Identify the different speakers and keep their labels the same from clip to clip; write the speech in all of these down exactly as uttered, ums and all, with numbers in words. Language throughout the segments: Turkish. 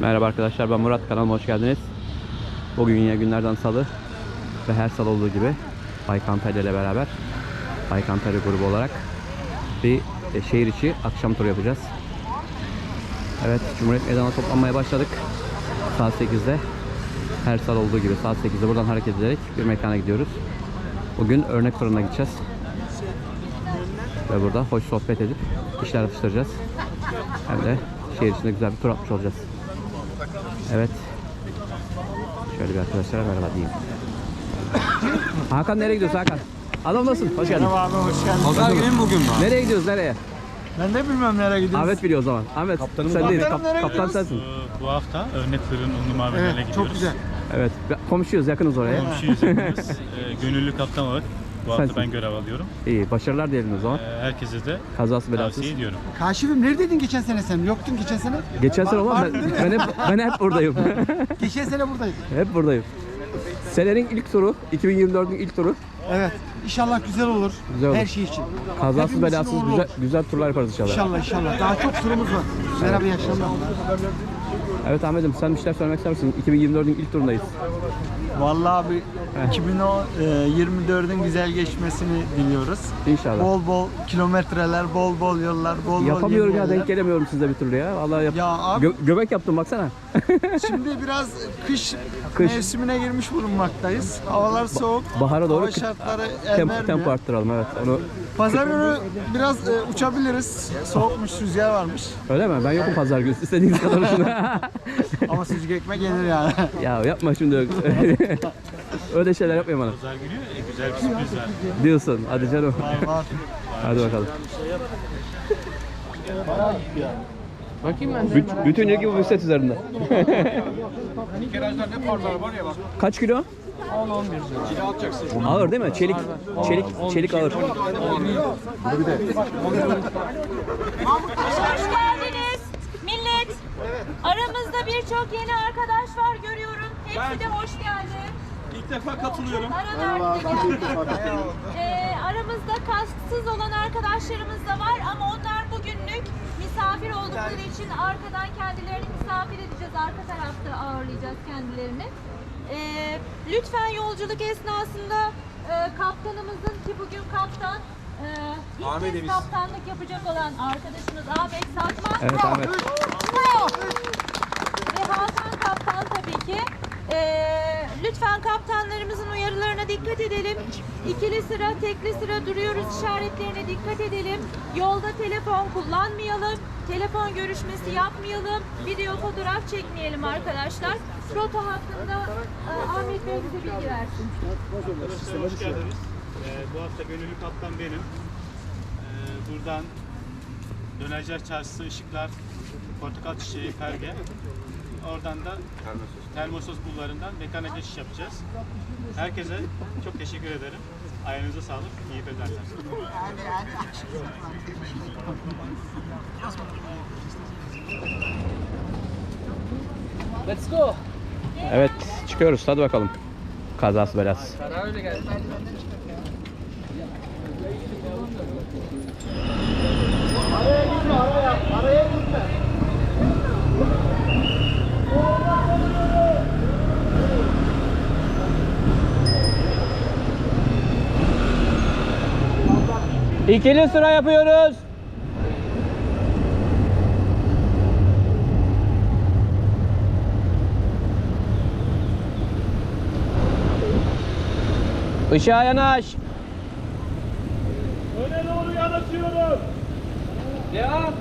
Speaker 1: Merhaba arkadaşlar, ben Murat, kanalıma hoş geldiniz. Bugün yine günlerden salı ve her salı olduğu gibi Baykan Antalya ile beraber Baykan Antalya grubu olarak bir e, şehir içi akşam turu yapacağız. Evet, Cumhuriyet Meydanı'na toplanmaya başladık. Saat sekizde, her salı olduğu gibi saat sekizde buradan hareket ederek bir mekana gidiyoruz. Bugün örnek fırına gideceğiz ve burada hoş sohbet edip işler atıştıracağız. Hem de şehir içinde güzel bir tur atmış olacağız. Evet. Şöyle bir arkadaşlara merhaba diyeyim. Hakan, nereye gidiyorsun Hakan? Adam nasılsın? Hoş geldin.
Speaker 2: Merhaba abi, hoş geldin.
Speaker 3: Pazar günü mü bugün mü?
Speaker 1: Nereye gidiyoruz, nereye?
Speaker 2: Ben de bilmem nereye gidiyoruz.
Speaker 1: Ahmet biliyor o zaman. Ahmet,
Speaker 3: Kaptanım
Speaker 1: sen
Speaker 3: var.
Speaker 1: değil.
Speaker 2: Kaptanım, nereye
Speaker 1: Kap, kaptan
Speaker 2: gidiyoruz?
Speaker 1: sensin.
Speaker 4: Bu hafta Örnek Fırın Unlu Maviler'e
Speaker 2: Evet,
Speaker 4: gidiyoruz.
Speaker 2: çok güzel.
Speaker 1: Evet. Komşuyuz, yakınız oraya.
Speaker 4: Komşuyuz yakınız. e, gönüllü kaptan olarak bu hafta
Speaker 1: Sensin.
Speaker 4: ben görev alıyorum.
Speaker 1: İyi, başarılar diyelim o zaman.
Speaker 4: E, herkese de
Speaker 1: Kazası belasız.
Speaker 4: tavsiye ediyorum.
Speaker 2: Kaşifim, neredeydin geçen sene sen? Yoktun geçen sene.
Speaker 1: Geçen sene olan ben, ben hep ben hep buradayım.
Speaker 2: Geçen sene buradaydın.
Speaker 1: Hep buradayım. Senenin ilk turu, iki bin yirmi dördün ilk turu.
Speaker 2: Evet. İnşallah güzel olur.
Speaker 1: Güzel olur.
Speaker 2: Her şey için.
Speaker 1: Kazasız
Speaker 2: Hepimizin
Speaker 1: belasız
Speaker 2: uğurlu
Speaker 1: güzel
Speaker 2: olsun.
Speaker 1: güzel turlar yaparız inşallah.
Speaker 2: İnşallah inşallah. Daha çok turumuz var. Merhaba, iyi akşamlar.
Speaker 1: Evet Ahmet'im, sen bir şeyler söylemek ister misin? iki bin yirmi dördün ilk turundayız.
Speaker 3: Vallahi abi iki bin yirmi dördün güzel geçmesini diliyoruz.
Speaker 1: İnşallah.
Speaker 3: Bol bol kilometreler, bol bol yollar, bol bol
Speaker 1: Yapamıyorum ya,
Speaker 3: yeni
Speaker 1: denk
Speaker 3: yerler.
Speaker 1: gelemiyorum size bir türlü ya. Vallahi yap.
Speaker 3: Ya abi
Speaker 1: Gö- göbek yaptım baksana.
Speaker 3: şimdi biraz kış,
Speaker 1: Kış.
Speaker 3: mevsimine girmiş bulunmaktayız. Havalar soğuk.
Speaker 1: Bahara doğru
Speaker 3: Hava
Speaker 1: kı-
Speaker 3: şartları el
Speaker 1: tempo,
Speaker 3: vermiyor.
Speaker 1: tempo arttıralım, evet. Onu
Speaker 3: Pazar günü biraz e, uçabiliriz. Soğukmuş, rüzgar varmış.
Speaker 1: öyle mi? Ben yokum pazar günü. İstediğiniz kadar uçun.
Speaker 3: Ama sucuk ekmek yenir yani.
Speaker 1: Ya yapma şimdi. Öyle şeyler yapmayın bana.
Speaker 4: Pazar günü e, güzel bir sürpriz var.
Speaker 1: Diyorsun. Hadi canım.
Speaker 3: Var.
Speaker 1: Hadi bakalım. Bakayım ben. Büt, bütün ilgi bu bisiklet üzerinde. Kaç kilo? on on bir. Ağır değil mi? Çelik. Çelik, çelik ağır.
Speaker 5: Hoş geldiniz millet. Aramızda birçok yeni arkadaş var görüyorum. Hepsi de hoş geldi.
Speaker 4: İlk defa katılıyorum.
Speaker 5: Aralarda geldi. Ee, aramızda kasksız olan arkadaşlarımız da var ama onlar bugünlük misafir oldukları için arkadan kendilerini misafir edeceğiz. Arka tarafta ağırlayacağız kendilerini. Ee, lütfen yolculuk esnasında e, kaptanımızın, ki bugün kaptan, e, ilk kez kaptanlık yapacak olan arkadaşımız Ahmet Sakman.
Speaker 1: Evet Ahmet.
Speaker 5: Ve Hakan kaptan tabii ki. Ee, lütfen kaptanlarımızın uyarılarına dikkat edelim. İkili sıra, tekli sıra duruyoruz işaretlerine dikkat edelim. Yolda telefon kullanmayalım. Telefon görüşmesi yapmayalım. Video fotoğraf çekmeyelim arkadaşlar. Rota hakkında e, Ahmet Bey bize bilgi versin.
Speaker 4: Hoş geldiniz. E, bu hafta gönüllü kaptan benim. E, buradan Dönerciler Çarşısı, Işıklar, Portakal Çiçeği, Perge. Oradan da Termosos bulvarından mekana geçiş yapacağız. Herkese çok teşekkür ederim. Ayağınıza sağlık. İyi bedenler.
Speaker 1: Evet, çıkıyoruz. Hadi bakalım. Kazası belasız. İkili sıra yapıyoruz. Işığa yanaş.
Speaker 4: Öne doğru yanaşıyoruz.
Speaker 1: Devam.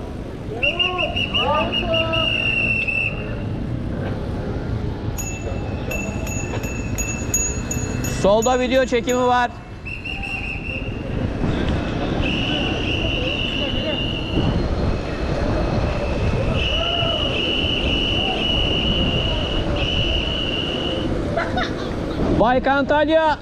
Speaker 1: Solda video çekimi var. Baykan Antalya.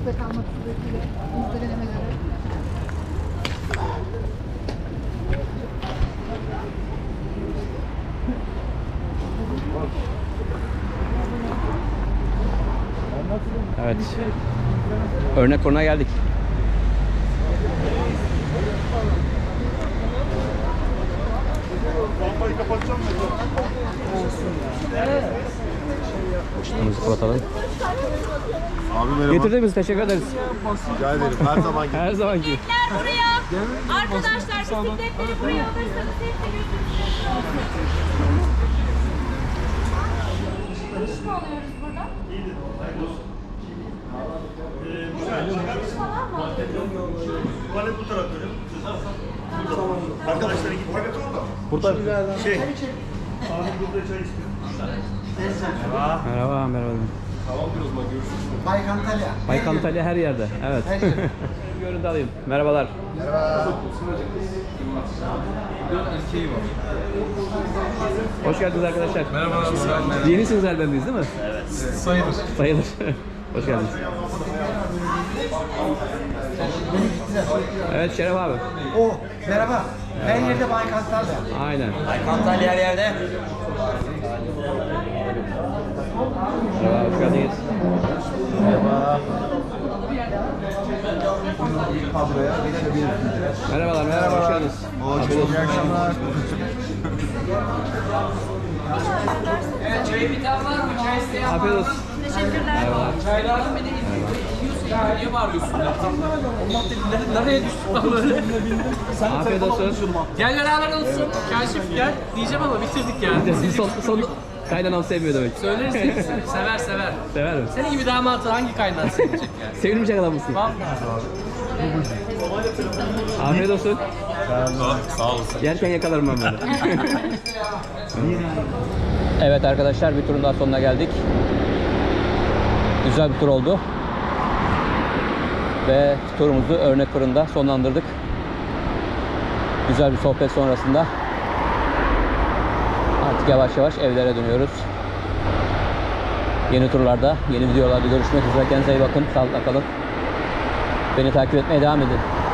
Speaker 6: Sizde kalmak suretiyle bizde denemelere.
Speaker 1: Evet. Örnek fırına geldik. Işığımızı kapatalım.
Speaker 7: Abi merhaba.
Speaker 1: Getirdiğiniz teşekkür ederiz.
Speaker 7: Rica ederim. Her zaman
Speaker 1: Her zamanki.
Speaker 5: Bisikletler buraya. Arkadaşlar bisikletleri buraya alırsanız hepsi gözünüzde olsun. Kuş mu alıyoruz burada? Kuş falan mı alıyoruz?
Speaker 8: Tuvalet bu tarafta. Arkadaşlar git.
Speaker 1: Burada.
Speaker 8: Şey. Abi burada çay istiyor.
Speaker 1: Merhaba, merhaba.
Speaker 2: Bayk Antalya.
Speaker 1: Bayk Antalya her yerde. Evet.
Speaker 2: Her yerde.
Speaker 1: Görüntü alayım. Merhabalar. Hoş geldiniz arkadaşlar. Merhabalar. Yenisiniz elbendeyiz değil mi? Evet. Sayılır. Sayılır. Hoş geldiniz. Evet Şeref abi.
Speaker 2: O merhaba. Her yerde Bayk Antalya.
Speaker 1: Aynen.
Speaker 3: Antalya her yerde.
Speaker 1: Merhaba, hoş geldiniz. Merhabalar, merhaba, hoş geldiniz.
Speaker 7: Hoş bulduk. İyi akşamlar.
Speaker 9: Çayı bir tane var mı? Çay isteyen
Speaker 1: Afiyet olsun.
Speaker 5: Teşekkürler.
Speaker 1: Merhabalar.
Speaker 9: çaylardan beni yiyorsun ya. Niye bağırıyorsun? Allah dedi. Nereye düştük lan böyle?
Speaker 1: Afiyet olsun.
Speaker 9: Gel beraber olsun. Kaşif gel. Diyeceğim ama bitirdik ya.
Speaker 1: Biz son, son kaynanam sevmiyor demek.
Speaker 9: Söyleriz hepsini. Sever sever.
Speaker 1: Sever mi?
Speaker 9: Senin gibi damatı hangi kaynağı sevecek yani?
Speaker 1: Sevilmeyecek adam mısın?
Speaker 9: Vallahi.
Speaker 1: Afiyet olsun. Sağ olasın. Yerken yakalarım ben böyle. Evet arkadaşlar, bir turun daha sonuna geldik. Güzel bir tur oldu. Ve turumuzu Örnek Fırın'da sonlandırdık. Güzel bir sohbet sonrasında artık yavaş yavaş evlere dönüyoruz. Yeni turlarda, yeni videolarda görüşmek üzere. Kendinize iyi bakın. Sağlıkla kalın. Beni takip etmeye devam edin.